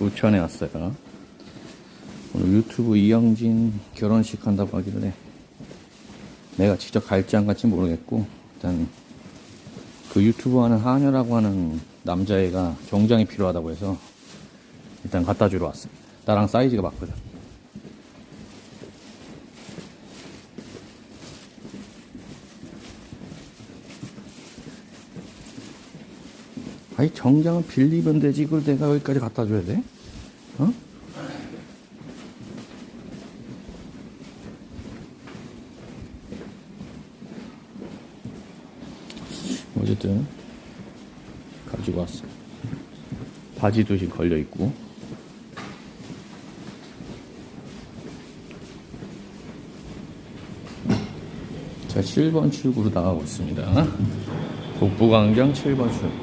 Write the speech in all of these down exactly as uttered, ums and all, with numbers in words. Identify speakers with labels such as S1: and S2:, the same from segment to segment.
S1: 부천에 왔어요. 오늘 유튜브 이영진 결혼식 한다고 하길래 내가 직접 갈지 안 갈지 모르겠고, 일단 그 유튜브 하는 하녀라고 하는 남자애가 정장이 필요하다고 해서 일단 갖다 주러 왔습니다. 나랑 사이즈가 맞거든. 아니, 정장은 빌리면 되지, 이걸 내가 여기까지 갖다 줘야 돼? 어? 어쨌든 가지고 왔어. 바지도 지금 걸려 있고. 자, 칠 번 출구로 나가고 있습니다. 북부광장 칠 번 출구.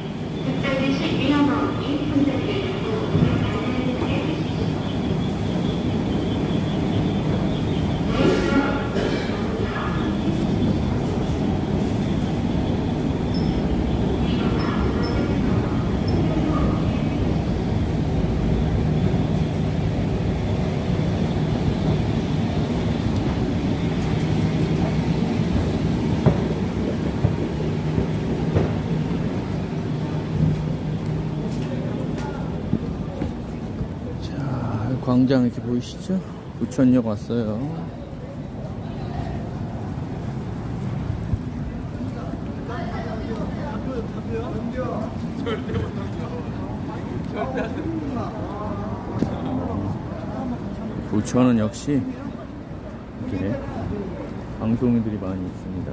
S1: 광장 이렇게 보이시죠? 부천역 왔어요. 부천은 역시 이렇게 방송인들이 많이 있습니다.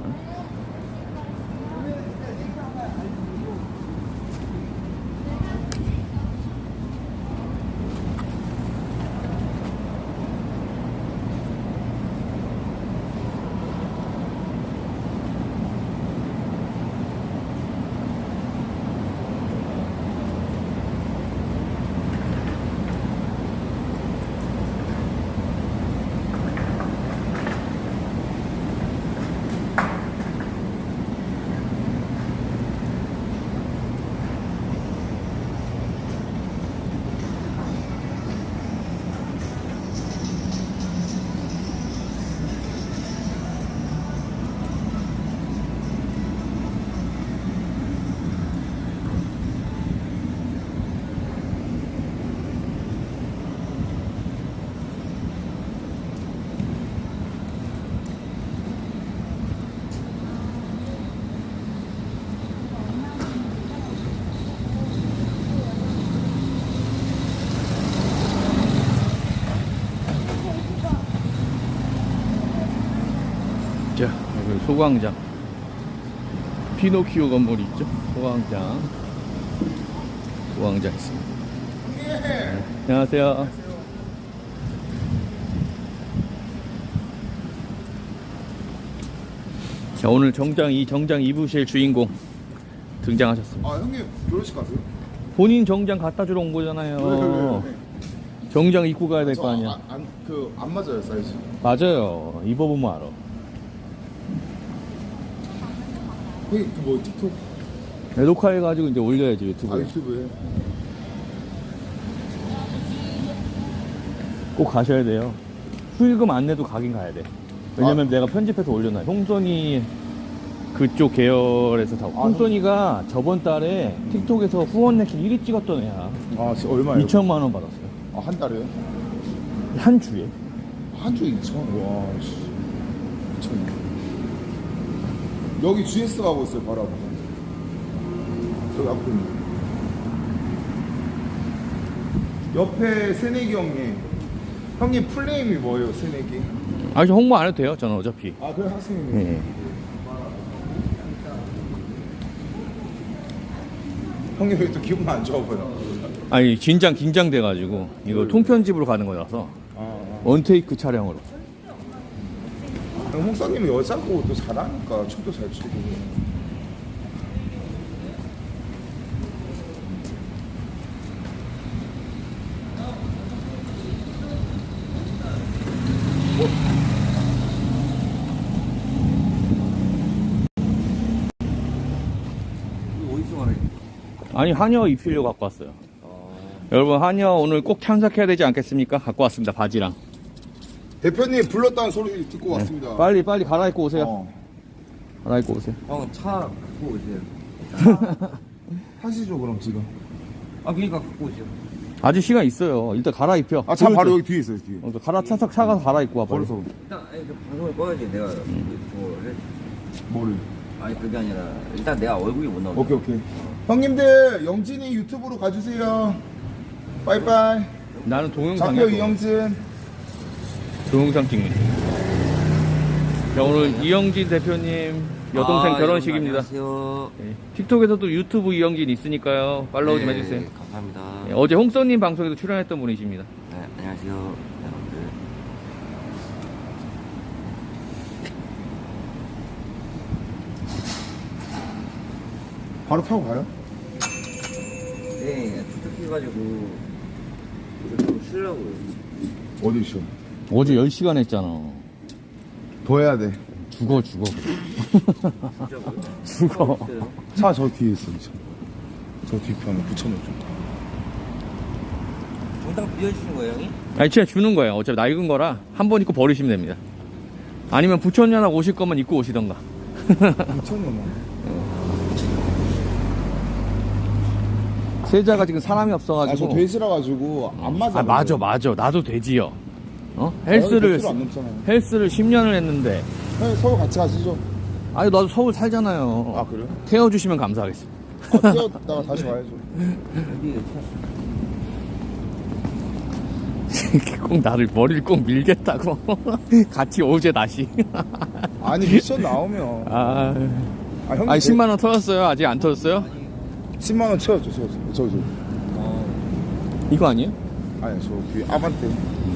S1: 자, 여기 소광장. 피노키오 건물이 있죠? 소광장. 소광장 있습니다. 네, 안녕하세요. 자, 오늘 정장, 이 정장 입으실 주인공 등장하셨습니다.
S2: 아, 형님 결혼식 가세요?
S1: 본인 정장 갖다 주러 온 거잖아요.
S2: 왜, 왜, 왜, 왜?
S1: 정장 입고 가야 될 거 아니야.
S2: 안, 안, 그, 안 맞아요, 사이즈.
S1: 맞아요. 입어보면 알아.
S2: 형님, 그 뭐, 틱톡?
S1: 네, 녹화해가지고 이제 올려야지,
S2: 아,
S1: 유튜브에.
S2: 유튜브에.
S1: 꼭 가셔야 돼요. 수익금 안 내도 가긴 가야 돼. 왜냐면
S2: 아.
S1: 내가 편집해서 올려놔요. 홍선이 그쪽 계열에서 다.
S2: 아,
S1: 홍선이가 저번 달에 틱톡에서 후원 랭킹 일 위 찍었던 애야.
S2: 아, 진짜 얼마예요?
S1: 이천만 원 받았어요.
S2: 아, 한 달에?
S1: 한 주에.
S2: 한 주에 이천? 와, 씨. 미쳤네. 여기 지에스 가고 있어요, 바로 앞에. 저기 앞에 있는. 옆에 새내기 형님. 형님 풀네임이 뭐예요, 새내기?
S1: 아니, 저 홍보 안 해도 돼요. 저는 어차피.
S2: 아, 그래, 학생님.
S1: 네.
S2: 형님 왜 또 기분 안 좋아 보여?
S1: 아니, 긴장, 긴장돼가지고. 이거 통편집으로 가는 거라서.
S2: 아, 아.
S1: 원테이크 촬영으로.
S2: 형, 홍사님은 여자고 또 잘하니까 춤도 잘 추고.
S1: 아니, 한여 입히려고 갖고 왔어요. 여러분, 한여 오늘 꼭 참석해야 되지 않겠습니까? 갖고 왔습니다, 바지랑.
S2: 대표님 불렀다는 소리 듣고 왔습니다.
S1: 네. 빨리, 빨리 갈아입고 오세요.
S2: 어.
S1: 갈아입고 오세요.
S3: 형, 차 갖고 오세요.
S2: 하시죠 그럼 지금.
S3: 아, 그니까 갖고 오세요.
S1: 아직 시간 있어요. 일단 갈아입혀.
S2: 아 차 바로
S1: 보여줘.
S2: 여기 뒤에 있어요 뒤에.
S1: 어, 갈아, 차석 차가서 갈아입고 와, 빨리.
S2: 벌써
S3: 일단, 아니, 그 방송을 꺼야지. 내가, 뭐를.
S2: 뭐를?
S3: 아니, 그게 아니라, 일단 내가 얼굴이 못 나오잖아.
S2: 오케이 오케이. 형님들 영진이 유튜브로 가주세요. 빠이빠이.
S1: 나는 동영상
S2: 장표 이영진.
S1: 동영상 찍는. 자, 오늘 이영진 대표님 여동생
S3: 아,
S1: 결혼식입니다.
S3: 안녕하세요.
S1: 네. 틱톡에서도 유튜브 이영진 있으니까요. 팔로우 좀
S3: 네,
S1: 해주세요.
S3: 감사합니다.
S1: 네, 어제 홍써님 방송에도 출연했던 분이십니다.
S3: 네, 안녕하세요. 여러분들.
S2: 바로 타고 가요?
S3: 네, 부탁해가지고, 좀 쉬려고요.
S2: 어디 있어?
S1: 어제 열 시간 했잖아.
S2: 더 해야 돼.
S1: 죽어, 죽어.
S3: 진짜고요?
S1: 죽어.
S3: 있어요?
S2: 차 저 뒤에 있어 저. 저 뒤편에 붙여놓죠.
S3: 정당 빌려주신 거예요, 형이?
S1: 아니, 진짜 주는 거예요. 어차피 낡은 거라 한 번 입고 버리시면 됩니다. 아니면 부천연하고 오실 거면 입고 오시던가.
S2: 붙여놓나?
S1: 세자가 지금 사람이 없어가지고.
S2: 아저 돼지라 가지고 안 맞아.
S1: 아, 맞아, 맞아. 나도 돼지요. 어? 헬스를,
S2: 안 넘잖아요.
S1: 헬스를 십 년을 했는데.
S2: 형 서울 같이 가시죠.
S1: 아니, 나도 서울 살잖아요.
S2: 아 그래요?
S1: 태워주시면 감사하겠습니다.
S2: 아, 뛰었다가 다시 와야죠.
S1: 꼭 나를 머리를 꼭 밀겠다고. 같이 오제 다시.
S2: 아니 미션 나오면.
S1: 아,
S2: 아 형님.
S1: 아니 십만 원 터졌어요? 아직 안 터졌어요?
S2: 십만 원 채워줘 채워줘. 저기 저.
S1: 이거 아니에요?
S2: 아니 저 뒤에 아반떼.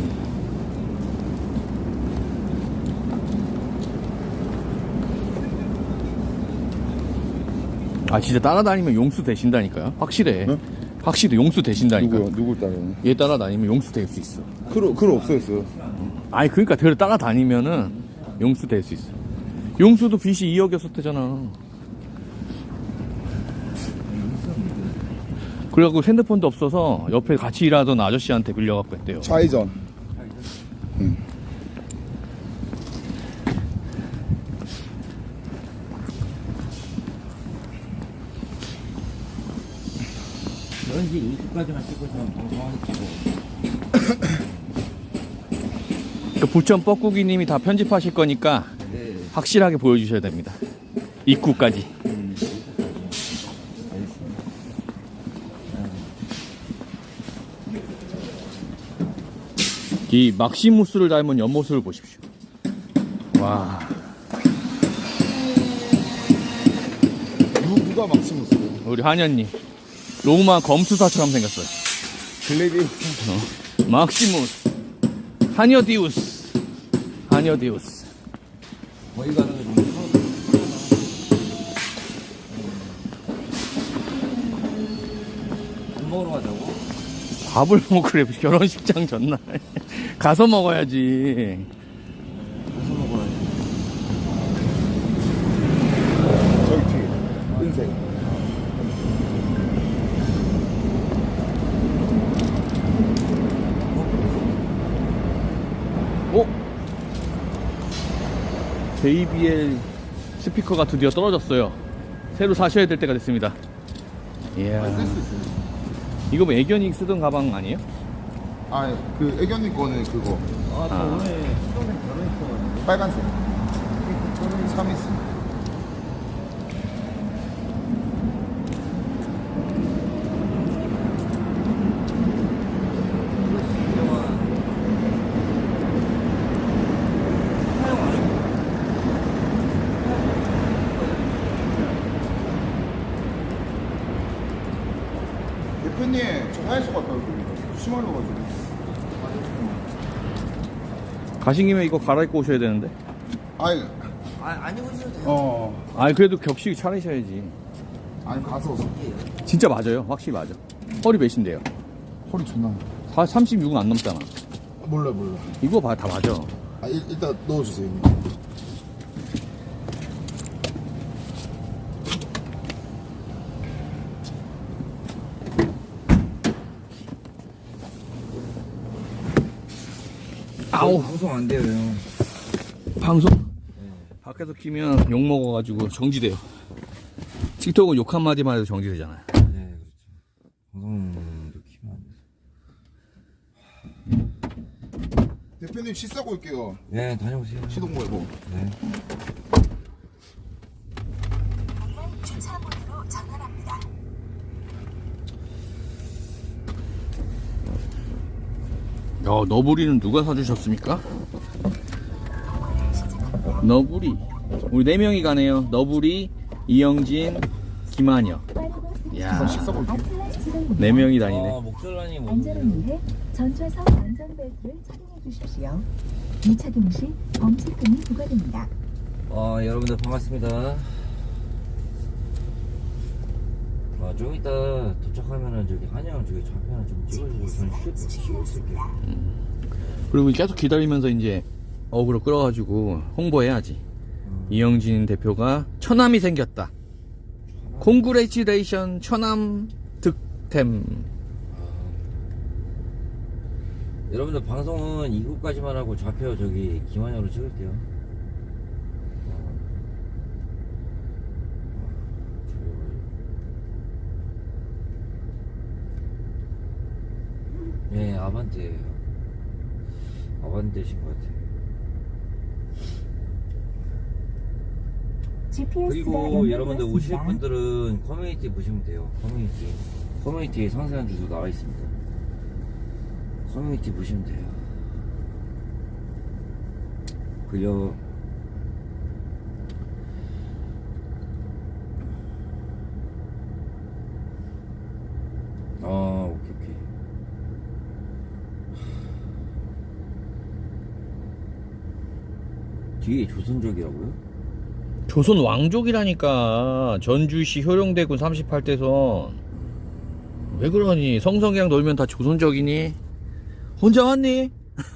S1: 아, 진짜 따라다니면 용수 되신다니까요. 확실해.
S2: 네?
S1: 확실히 용수 되신다니까.
S2: 누구요? 누굴 따라요?
S1: 얘 따라다니면 용수 될 수 있어.
S2: 크루 크루 없어졌어요.
S1: 아니, 그러니까 걔를 따라다니면은 용수 될 수 있어. 용수도 빚이 이억이었었대잖아. 그래갖고 핸드폰도 없어서 옆에 같이 일하던 아저씨한테 빌려갖고 했대요.
S2: 좌회전. 응.
S3: 왠지 이십까지만 찍고 있으면 방송하겠고.
S1: 그 부천 뻐꾸기님이 다 편집하실 거니까
S3: 네.
S1: 확실하게 보여주셔야 됩니다. 입구까지. 이 막시무스를 닮은 옆모습을 보십시오. 와,
S2: 누 누가 막시무스예요?
S1: 우리 한현님 로마 검투사처럼 생겼어요.
S2: 글래디.
S1: 어. 막시무스, 하녀디우스, 하녀디우스.
S3: 거기 가는 게 좀. 밥 먹으러 가자고?
S1: 밥을 먹으래. 결혼식장 전날 가서 먹어야지.
S3: 가서 먹어야지.
S2: 저기 뒤에. 은색.
S1: 어? 제이비엘 스피커가 드디어 떨어졌어요. 새로 사셔야 될 때가 됐습니다. 이야.
S2: 쓸 수 있어요.
S1: 이거 뭐 애견이 쓰던 가방 아니에요?
S2: 아, 그 애견이 거는 그거
S3: 아, 저
S1: 아.
S3: 오늘 수동생 결혼했어가지고.
S2: 빨간색. 삼이스. 대표님, 저 화장실 갔다 올게요. 심할려가지고.
S1: 가신 김에 이거 갈아입고 오셔야 되는데.
S2: 아니,
S3: 아, 안 입으셔도 돼요.
S2: 어,
S1: 아니, 그래도 격식 차리셔야지.
S2: 아니 가서
S1: 진짜 맞아요. 확실히 맞아. 허리 몇인데요?
S2: 허리 존나.
S1: 다 삼십육은 안 넘잖아.
S2: 몰라 몰라.
S1: 이거 봐, 다 맞아.
S2: 아, 일, 일단 넣어주세요.
S1: 아우
S3: 방송 안 돼요 형.
S1: 방송 밖에서 키면 욕 먹어가지고 정지돼요. 틱톡은 욕 한마디만 해도 정지되잖아요.
S3: 네 그렇죠. 방송도 키면 안 돼요.
S2: 대표님 시 싸고 올게요.
S3: 네 다녀오세요.
S2: 시동 걸고.
S3: 네.
S4: 주차문으로 전환합니다.
S1: 야, 너부리는 누가 사주셨습니까? 너부리. 우리 네 명이 가네요. 너부리, 이영진, 김한여. 야,
S2: 시 싸고 올게요.
S1: 네 명이 다니네.
S3: 아 목절라님
S4: 안전을
S3: 오세요.
S4: 위해 전좌석 안전벨트를 착용해 주십시오. 미착용 시 범칙금이 부과됩니다.
S3: 아 여러분들 반갑습니다. 아, 좀 이따 도착하면은 저기 한영 저기 좌편을 좀 찍어주고 저는 쉬고 쉬고 있을게요.
S1: 그리고 계속 기다리면서 이제 어그로 끌어가지고 홍보해야지.
S3: 음.
S1: 이영진 대표가 처남이 생겼다. 콩그레지레이션 처남 득템.
S3: 여러분들 방송은 이곳까지만 하고 좌표 저기 김한영으로 찍을게요. 어. 네, 아반떼예요. 아반떼신 것 같아요.
S4: 지피에스가
S3: 그리고 여러분들 오실
S4: 연결되었습니다.
S3: 분들은 커뮤니티 보시면 돼요. 커뮤니티. 커뮤니티에 상세한 주소 나와 있습니다. 커뮤니티 보시면 돼요. 그려 아 오케이 오케이. 뒤에 조선족이라고요?
S1: 조선 왕족이라니까. 전주시 효령대군 삼십팔 대선. 왜 그러니? 성성이랑 놀면 다 조선족이니? 혼자 왔니?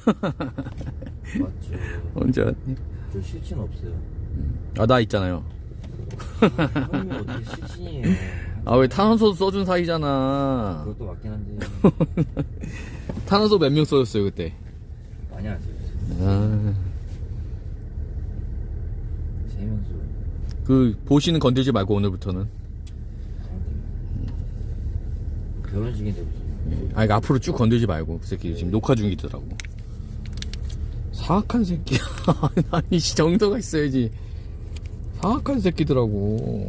S3: 맞죠.
S1: 혼자 왔니?
S3: 저 실친 없어요.
S1: 아, 나 있잖아요.
S3: 형님이 어떻게 실친이에요?
S1: 아, 왜 탄원서 써준 사이잖아.
S3: 그것도 맞긴 한데
S1: 탄원서 몇 명 써줬어요, 그때?
S3: 많이 안 써요.
S1: 아,
S3: 세명수
S1: 그, 보시는 건들지 말고, 오늘부터는.
S3: 결혼식인데 무슨
S1: 아니, 앞으로 쭉 건들지 말고. 그 새끼 지금 녹화 중이더라고. 사악한 새끼야. 아니, 씨, 정도가 있어야지. 사악한 새끼더라고.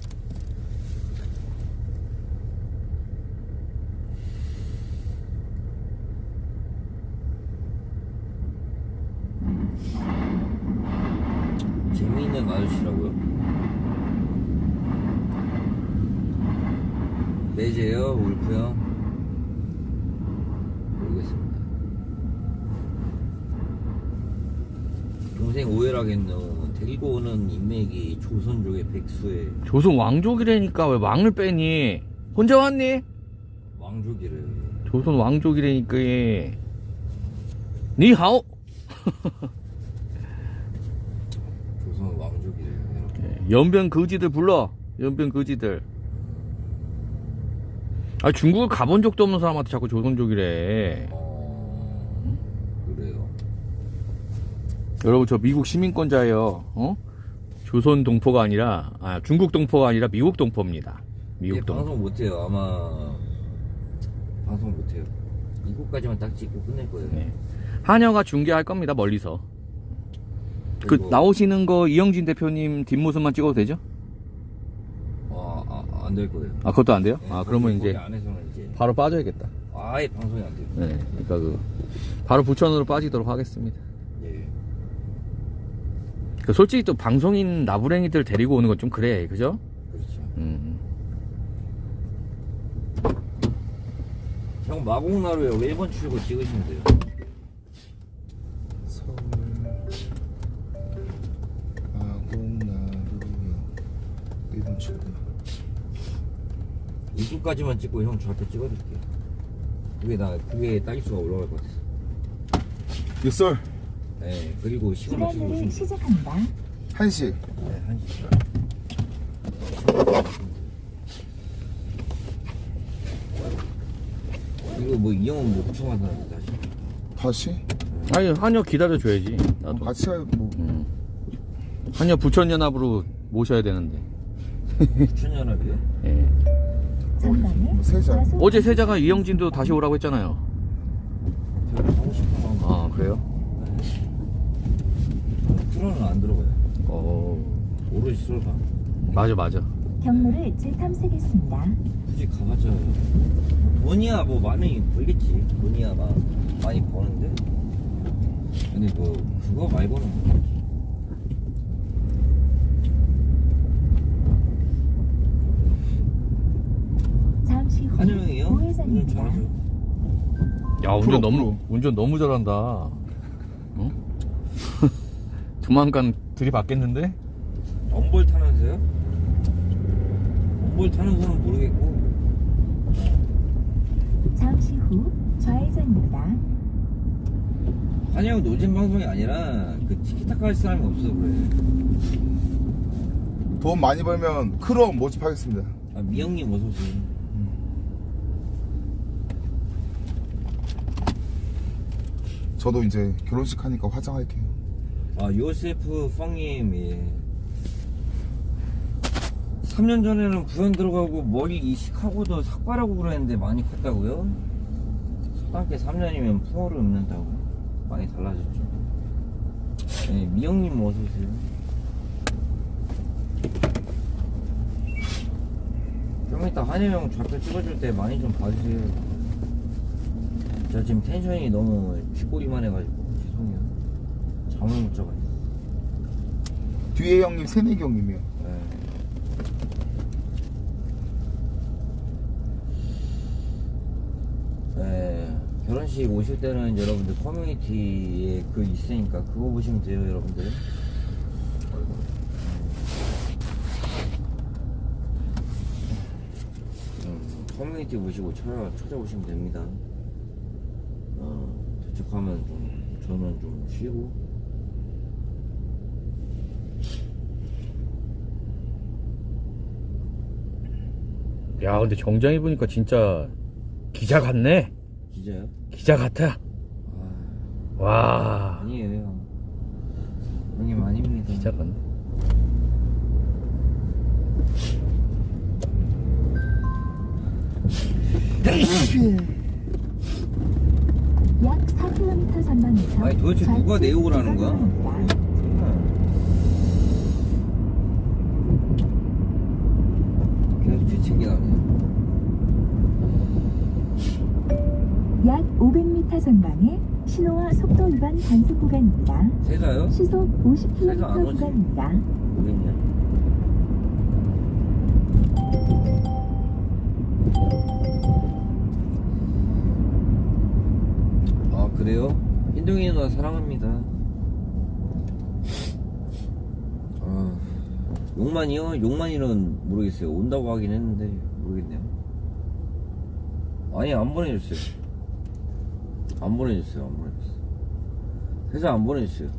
S3: 재미있는 아저씨라고요? 매제요 울프 형? 모르겠습니다. 동생 오해라겠노. 데리고 오는 인맥이 조선족의 백수의
S1: 조선 왕족이라니까 왜 왕을 빼니? 혼자 왔니?
S3: 왕족이래.
S1: 조선 왕족이라니까. 얘. 니하오.
S3: 조선 왕족이래.
S1: 연변 거지들 불러. 연변 거지들. 아, 중국을 가본 적도 없는 사람한테 자꾸 조선족이래.
S3: 어... 그래요.
S1: 여러분, 저 미국 시민권자예요. 어? 조선 동포가 아니라, 아, 중국 동포가 아니라 미국 동포입니다. 미국
S3: 얘
S1: 동포.
S3: 방송 못해요. 아마 방송 못해요. 이곳까지만 딱 찍고 끝낼 거예요.
S1: 네. 한여가 중계할 겁니다, 멀리서. 그
S3: 그리고-
S1: 나오시는 거 이영진 대표님 뒷모습만 찍어도 되죠?
S3: 아, 아, 안 될 거예요.
S1: 아, 그것도 안 돼요?
S3: 네,
S1: 아, 그러면
S3: 거기
S1: 이제
S3: 안에서는 이제
S1: 바로 빠져야겠다.
S3: 아예 방송이 안 돼요.
S1: 네, 그러니까 그 바로 부천으로 빠지도록 하겠습니다.
S3: 예.
S1: 그 솔직히 또 방송인 나부랭이들 데리고 오는 건 좀 그래, 그죠?
S3: 그렇죠.
S1: 음.
S3: 형 마곡나루에 일 번 출구 찍으시면 돼요.
S2: 서울 마곡나루요. 일본 출구.
S3: 이쪽까지만 찍고 형 좌표 찍어줄게요. 그게 나 그게 따기수가 올라갈 것 같아서.
S2: 육설
S3: 네. 그리고 시간 맞춰서
S4: 시간을
S3: 오시면 돼요.
S4: 시작합니다.
S2: 한식.
S3: 네, 한 시. 이거 뭐 이영은 뭐 구청한 사람들 다시.
S2: 다시.
S1: 아니 한여 기다려줘야지. 나도.
S2: 같이 가요 뭐.
S1: 음. 한여 부천연합으로 모셔야 되는데.
S3: 부천연합이요?
S1: 예.
S4: 전방에
S2: 뭐 세자.
S4: 과속
S1: 어제 세자가 이영진도 다시 오라고 했잖아요.
S3: 제가 가고 싶은 마음.
S1: 아 그래요?
S3: 프로는 안 들어가요.
S1: 어
S3: 오로지 솔바.
S1: 맞아 맞아.
S4: 경로를 재탐색했습니다.
S3: 굳이 가봤자 돈이야 뭐 많이 벌겠지. 돈이야 막 많이 버는데. 근데 뭐 그거 말고는 없지.
S4: 잠시 후
S3: 한영이요? 운전
S4: 우회전입니다.
S3: 잘하죠.
S1: 야 운전
S2: 프로,
S1: 너무
S2: 프로.
S1: 운전 너무 잘한다. 응? 조만간 들이받겠는데?
S3: 엄볼 타면서요? 엄볼 타는 거는 모르겠고.
S4: 잠시 후 좌회전입니다.
S3: 한영 노잼 방송이 아니라 그 티키타카 할 사람이 없어 그래.
S2: 돈 많이 벌면 크롬 모집하겠습니다.
S3: 아, 미영님 어서 오세요.
S2: 저도 이제 결혼식 하니까 화장할게요.
S3: 아 요세프 펑님 예. 삼 년 전에는 부연 들어가고 머리 이식하고도 삭발하고 그랬는데 많이 컸다고요? 초등학교 삼 년이면 풍어를 읊는다고 많이 달라졌죠. 네, 미영님 어서오세요. 좀 이따 한혜영 좌표 찍어줄 때 많이 좀 봐주세요. 저 지금 텐션이 너무 쥐꼬리만 해가지고 죄송해요. 잠을 못 자가지고.
S2: 뒤에 형님 새내기 형님이요.
S3: 네. 네, 결혼식 오실 때는 여러분들 커뮤니티에 그 있으니까 그거 보시면 돼요, 여러분들. 음, 커뮤니티 보시고 찾아, 찾아오시면 됩니다. 어, 도착하면 좀, 저는 좀 쉬고.
S1: 야 근데 정장 입으니까 진짜 기자 같네.
S3: 기자요?
S1: 기자 같아.
S3: 아,
S1: 와
S3: 아니에요. 형님 아닙니다.
S1: 기자 같네.
S4: 약 사 킬로미터 전방에서
S3: 아니, 도대체 누가
S4: 좌측
S3: 내욕을 하는 거야?
S4: 구간입니다.
S3: 계속 뒤책이 나네.
S4: 약 오백 미터 전방에 신호와 속도 위반 단속 구간입니다.
S3: 세자요?
S4: 시속 오십
S3: 세자 안
S4: 킬로미터
S3: 오지?
S4: 구간입니다.
S3: 모르겠냐? 아 그래요? 흰둥이 누나 사랑합니다. 아 용만이요? 용만이는 모르겠어요. 온다고 하긴 했는데 모르겠네요. 아니 안 보내줬어요. 안 보내줬어요. 안 보내줬어요. 회사 안 보내줬어요.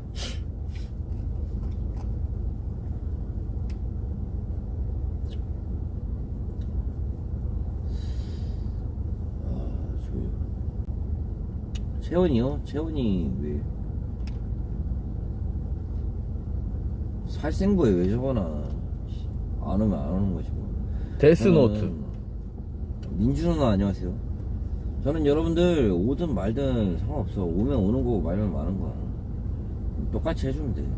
S3: 아, 저요. 채원이요? 채원이 왜? 살생부에 왜 적어놔? 안 오면 안 오는 거지 뭐.
S1: 데스노트.
S3: 저는 민주 누나 안녕하세요. 저는 여러분들 오든 말든 상관없어. 오면 오는 거고 말면 마는 거야. 똑같이 해주면 돼.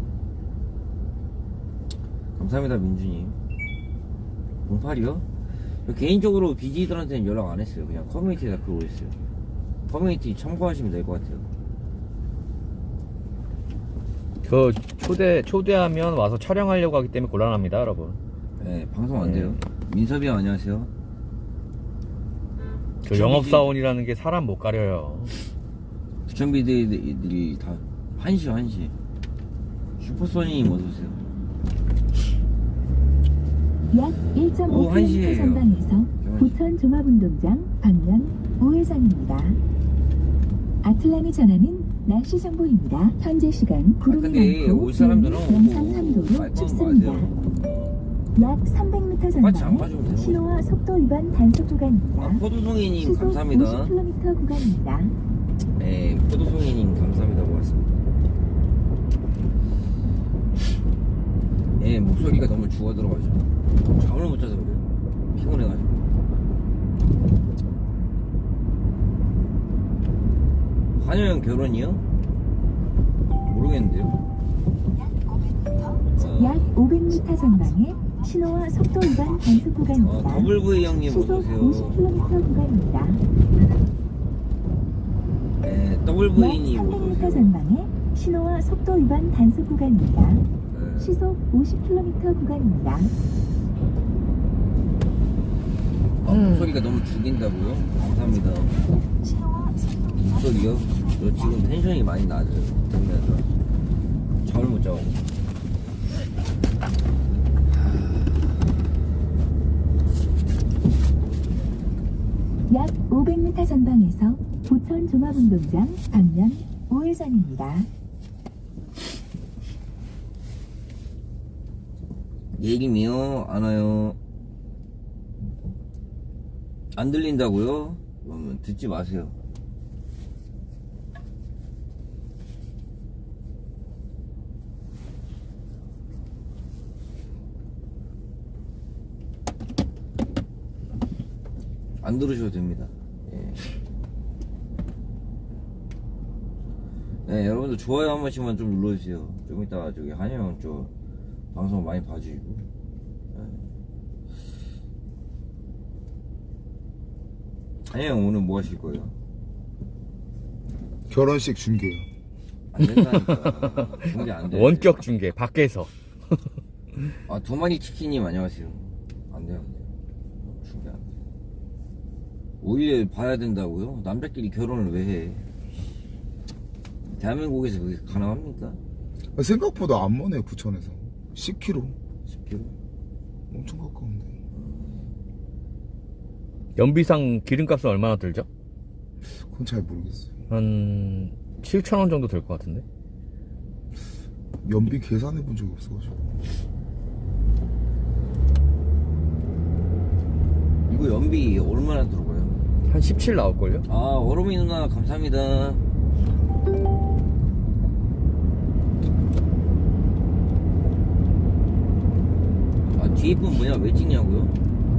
S3: 감사합니다 민주님. 공팔이요? 개인적으로 비지들한테는 연락 안 했어요. 그냥 커뮤니티에다 글 올렸어요. 커뮤니티 참고하시면 될 것 같아요.
S1: 그 초대 초대하면 와서 촬영하려고 하기 때문에 곤란합니다, 여러분.
S3: 네, 방송 안 돼요. 민섭이 형 안녕하세요.
S1: 그 영업사원이라는 게 사람 못 가려요.
S3: 부천비들이 다 한시 한시. 슈퍼소니님 어서오세요.
S4: 약 일 점
S3: 오후
S4: 오
S3: 한
S4: 킬로미터
S3: 시예요.
S4: 전방에서 부천 종합운동장 방면 우회전입니다. 아틀란이 전하는 날씨 정보입니다. 현재 시간
S3: 아
S4: 구름이
S3: 근데
S4: 많고
S3: 올 사람들은
S4: 기온이 영상
S3: 오고
S4: 삼 도로
S3: 말건
S4: 춥습니다.
S3: 마세요.
S4: 약 삼백 미터
S3: 똑같이 안
S4: 전방에
S3: 봐주면 되는
S4: 신호와 속도 위반 단속 구간입니다.
S3: 아 포도송이님
S4: 시속
S3: 감사합니다.
S4: 오십 킬로미터 구간입니다.
S3: 네, 예, 포도송이님 감사합니다. 고맙습니다. 예, 목소리가 너무 죽어 들어가죠. 잠을 못 자서 그래요. 피곤해가지고. 한여형 결혼이요? 모르겠는데요.
S4: 약 오백 미터 전방에 신호와 속도 위반 단속
S3: 어,
S4: 구간입니다.
S3: 더블브이 형님
S4: 시속
S3: 어서오세요.
S4: 오십 킬로미터 구간입니다.
S3: 네,
S4: 약
S3: 더블브이님
S4: 삼백 미터
S3: 어서오세요.
S4: 전방에 신호와 속도 위반 단속 구간입니다.
S3: 네.
S4: 시속 오십 킬로미터 구간입니다.
S3: 아, 목소리가 너무 죽인다고요? 감사합니다. 목소리요? 저 지금 텐션이 많이 낮아요. 들으면서 잠을 못 자고.
S4: 약 오백 미터 전방에서 부천 종합운동장 방면 우회전입니다.
S3: 예림이요? 안 와요. 안 들린다고요? 그러면 듣지 마세요. 안 들으셔도 됩니다. 예. 네, 여러분들 좋아요 한 번씩만 좀 눌러주세요. 좀 이따가 저기 한영 저 방송 많이 봐주시고. 네. 한영 오늘 뭐 하실 거예요?
S2: 결혼식 중계요.
S3: 안 된다니까. 중계 안 돼.
S1: 원격 중계 밖에서.
S3: 아, 두 마리 치킨님 안녕하세요. 안 돼요, 안 돼요. 중계 안 돼. 오히려 봐야 된다고요? 남자끼리 결혼을 왜 해? 대한민국에서 그게 가능합니까?
S2: 생각보다 안 머네 부천에서 십 킬로미터.
S3: 십 킬로미터?
S2: 엄청 가까운데.
S1: 연비상 기름값은 얼마나 들죠?
S2: 그건 잘 모르겠어요.
S1: 한 칠천 원 정도 될 것 같은데.
S2: 연비 계산해 본 적이 없어가지고.
S3: 이거 연비 얼마나 들어가요?
S1: 한 십칠 나올걸요?
S3: 아, 어로미 누나 감사합니다. 아, 뒤에 분 뭐냐? 왜 찍냐고요?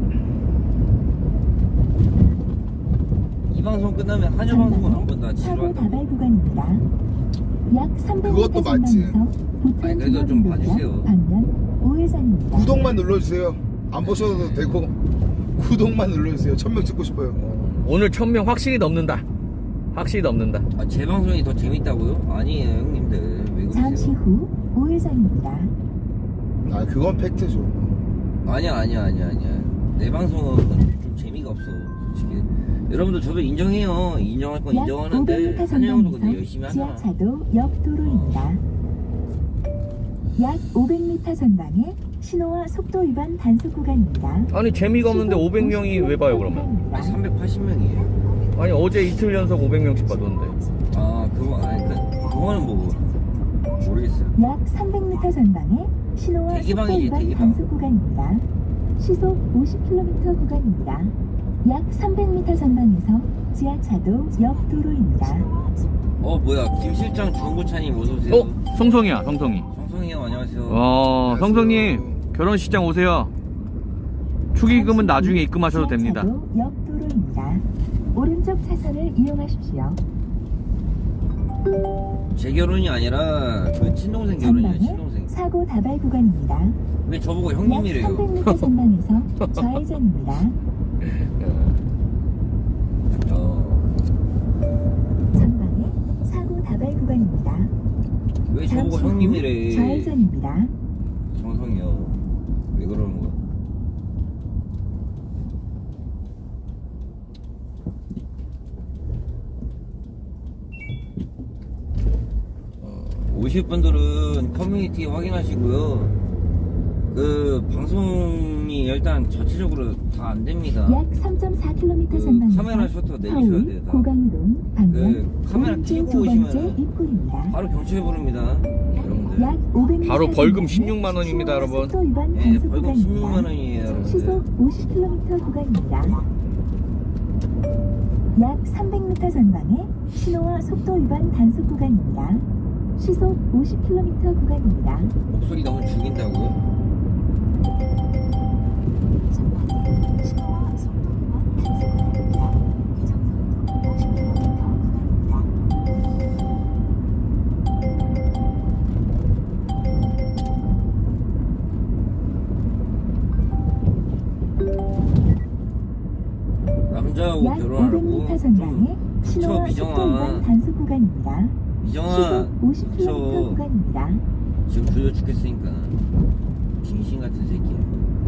S3: 이 방송 끝나면 한여 방송은 안 본다.
S4: 사고
S3: 지루한다고.
S4: 다발 구간입니다. 약 삼백 미터
S2: 그것도 맞지.
S4: 전방에서 부천
S3: 아니, 그래도 좀
S4: 종합운동장
S3: 봐주세요.
S4: 방면 우회전입니다.
S2: 구독만 눌러주세요. 안 보셔도 되고 구독만 눌러주세요. 천명 찍고 싶어요.
S1: 오늘 천 명 확실히 넘는다. 확실히 넘는다.
S3: 아, 제 방송이 더 재밌다고요? 아니에요, 형님들. 왜
S4: 잠시
S3: 그러세요?
S4: 후 우회전입니다.
S2: 아 그건 팩트죠.
S3: 아니야, 아니야, 아니야, 아니야. 내 방송은 좀 재미가 없어, 솔직히. 여러분들 저도 인정해요. 인정할 건
S4: 약
S3: 인정하는데
S4: 오백 미터
S3: 한여 형도 근데
S4: 전방에서
S3: 열심히 하잖아.
S4: 지하차도 옆 도로입니다. 약 오백 미터 전방에 신호와 속도 위반 단속 구간입니다.
S1: 아니 재미가 없는데
S4: 시속
S1: 오백 명이 왜 봐요 그러면?
S4: 구간입니다.
S3: 아니, 삼백팔십 명이에요.
S1: 아니 어제 이틀 연속 오백 명씩 봐줬는데.
S3: 아, 그거, 아니, 그, 그거는 뭐, 모르겠어요.
S4: 약 삼백 미터 전방에 신호와 속도
S3: 대기방이지,
S4: 위반
S3: 대기방.
S4: 단속 구간입니다. 시속 오십 킬로미터 구간입니다. 약 삼백 미터 전방에서 지하차도 옆 도로입니다.
S3: 어, 뭐야, 김실장 중고차님 어서오세요.
S1: 어? 성성이야 성성이.
S3: 성성이 형, 안녕하세요.
S1: 어
S2: 안녕하세요.
S1: 성성님 결혼식장 오세요. 축의금은 나중에 입금하셔도 됩니다.
S4: 지하차도 옆 도로입니다. 오른쪽 차선을 이용하십시오.
S3: 제 결혼이 아니라, 그 친동생 결혼이에요,
S4: 전방에
S3: 친동생.
S4: 사고 다발 구간입니다.
S3: 왜 저보고
S4: 약
S3: 형님이래요?
S4: 삼백 미터 전방에서 좌회전입니다.
S3: 어,
S4: 전방에 사고 다발 구간입니다.
S3: 왜 저보고
S4: 잠시 후
S3: 형님이래?
S4: 좌회전입니다.
S3: 정성이요. 왜 그러는 거야? 어, 오실 분들은 커뮤니티 확인하시고요. 그 방송이 일단 전체적으로 다 안 됩니다.
S4: 약 삼 점 사 킬로미터
S3: 그
S4: 전방에서
S3: 카메라 셔터 내리셔야
S4: 서울
S3: 돼요, 다.
S4: 고강동 방면
S3: 그 카메라
S4: 오른쪽
S3: 켜고
S4: 두 번째
S3: 오시면은
S4: 입구입니다.
S3: 바로 경찰 부릅니다. 여러분들.
S4: 약 오백 미터
S1: 바로 벌금
S4: 전방에
S1: 십육만 원입니다, 여러분.
S4: 속도 위반
S3: 네,
S4: 단속
S3: 벌금
S4: 구간입니다.
S3: 십육만 원이에요, 여러분들.
S4: 시속 오십 킬로미터 구간입니다. 약 삼백 미터 전방에 신호와 속도 위반 단속 구간입니다. 시속 오십 킬로미터 구간입니다.
S3: 목소리 너무 죽인다고요?
S4: 신호와 속도 위반 단속 구간입니다. 규정속도 오십 킬로미터 구간입니다.
S3: 남자하고
S4: 약 오백
S3: 결혼하라고?
S4: 미터 전방에 신호와
S3: 미정아.
S4: 속도 위반 단속 구간입니다.
S3: 미정아,
S4: 시속 오십 킬로미터
S3: 저
S4: 구간입니다.
S3: 지금 졸려 죽겠으니까 빙신 같은 새끼야.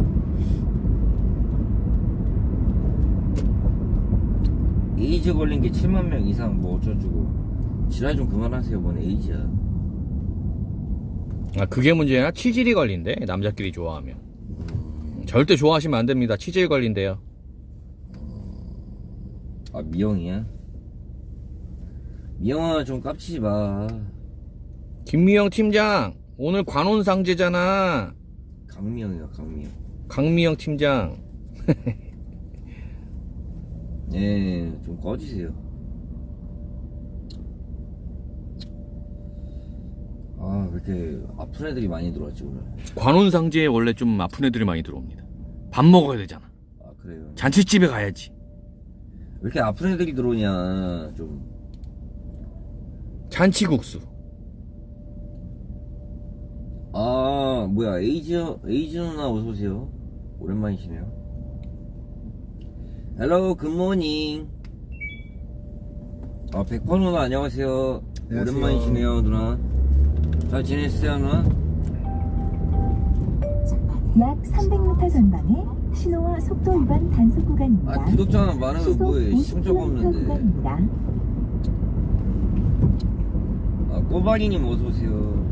S3: 에이즈 걸린 게 칠만 명 이상 뭐 어쩌주고 지랄 좀 그만하세요. 뭔 에이즈야.
S1: 아, 그게 문제야? 치질이 걸린대, 남자끼리 좋아하면. 절대 좋아하시면 안 됩니다. 치질 걸린대요.
S3: 아, 미영이야? 미영아 좀 깝치지 마.
S1: 김미영 팀장, 오늘 관혼상제잖아.
S3: 강미영이야, 강미영.
S1: 강미영 팀장.
S3: 네, 좀 꺼지세요. 아, 왜 이렇게 아픈 애들이 많이 들어왔지 오늘?
S1: 관혼상제에 원래 좀 아픈 애들이 많이 들어옵니다. 밥 먹어야 되잖아.
S3: 아, 그래요.
S1: 잔치집에 가야지.
S3: 왜 이렇게 아픈 애들이 들어오냐? 좀
S1: 잔치국수.
S3: 아, 뭐야, 에이즈, 에이즈 누나 어서오세요. 오랜만이시네요. 헬로, 굿모닝. 아, 백퍼 누나 안녕하세요.
S2: 안녕하세요.
S3: 오랜만이시네요, 누나. 잘 지냈어요, 누나?
S4: 약 삼백 미터 전방에 신호와 속도 위반 단속 구간입니다.
S3: 아, 구독자만 많으면
S4: 시속
S3: 뭐해.
S4: 오십
S3: 시청자가
S4: 킬로미터
S3: 없는데.
S4: 구간입니다.
S3: 아, 꼬바리님 어서오세요.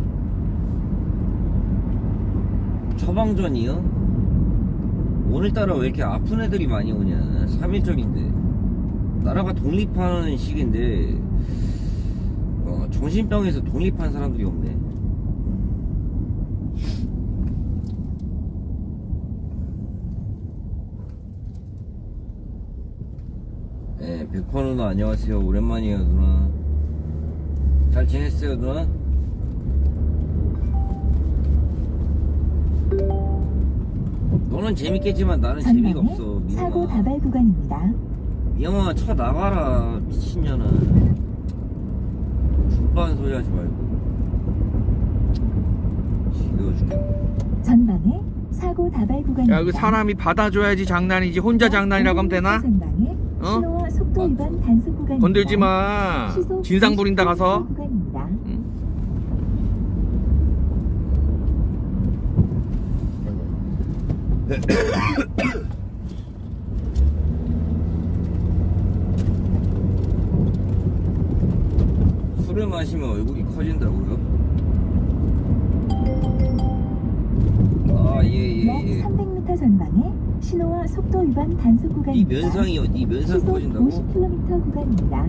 S3: 처방전이요? 오늘따라 왜 이렇게 아픈 애들이 많이 오냐? 삼 일절인데 나라가 독립하는 시기인데 어, 정신병에서 독립한 사람들이 없네. 네, 백퍼 누나 안녕하세요. 오랜만이에요, 누나. 잘 지냈어요, 누나? 너는 재밌겠지만 나는 재미가
S4: 전방에
S3: 없어.
S4: 사고
S3: 미영아,
S4: 다발 구간입니다.
S3: 미영아 쳐 나가라 미친년아. 죽반 소리 하지 말고. 지겨워 죽겠네.
S4: 전방에 사고 다발 구간입니다.
S1: 야, 그 사람이 받아줘야지 장난이지. 혼자 장난이라고 하면 되나?
S4: 전방에
S1: 어?
S4: 신호와 속도 위반 단속 구간입니다.
S1: 건들지 마.
S4: 시속
S1: 진상 부린다 가서.
S4: 오십 킬로미터 구간입니다.
S1: 응?
S3: 술을 마시면 얼굴이 커진다고요? 아, 예,
S4: 약
S3: 예, 예.
S4: 삼백 미터 전방에 신호와 속도 위반 단속
S3: 이
S4: 구간입니다.
S3: 면상이요, 이 면상
S4: 시속
S3: 커진다고?
S4: 오십 킬로미터 구간입니다.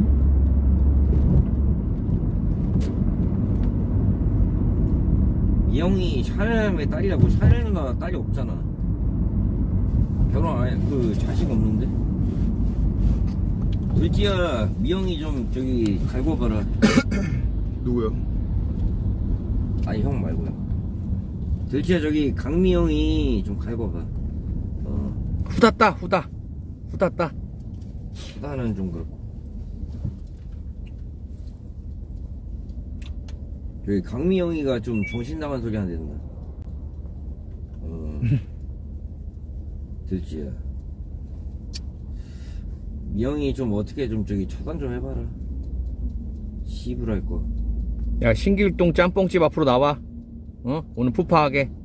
S3: 미영이 샤넬의 딸이라고. 샤넬 누나 딸이 없잖아. 결혼 안 해. 그 자식 없는데? 을지야, 미영이 좀 저기 갈고 봐라.
S2: 누구요?
S3: 아니, 형 말고요. 들지야, 저기 강미영이 좀 갈고 봐. 어,
S1: 후다따, 후다. 후다따.
S3: 나는 좀 그렇고. 저기 강미영이가 좀 정신 나간 소리 하는 데인가. 어. 들지야. 미영이 좀 어떻게 좀 저기 처단 좀 해봐라. 시부랄 거.
S1: 야, 신길동 짬뽕집 앞으로 나와. 어? 오늘 푸파하게.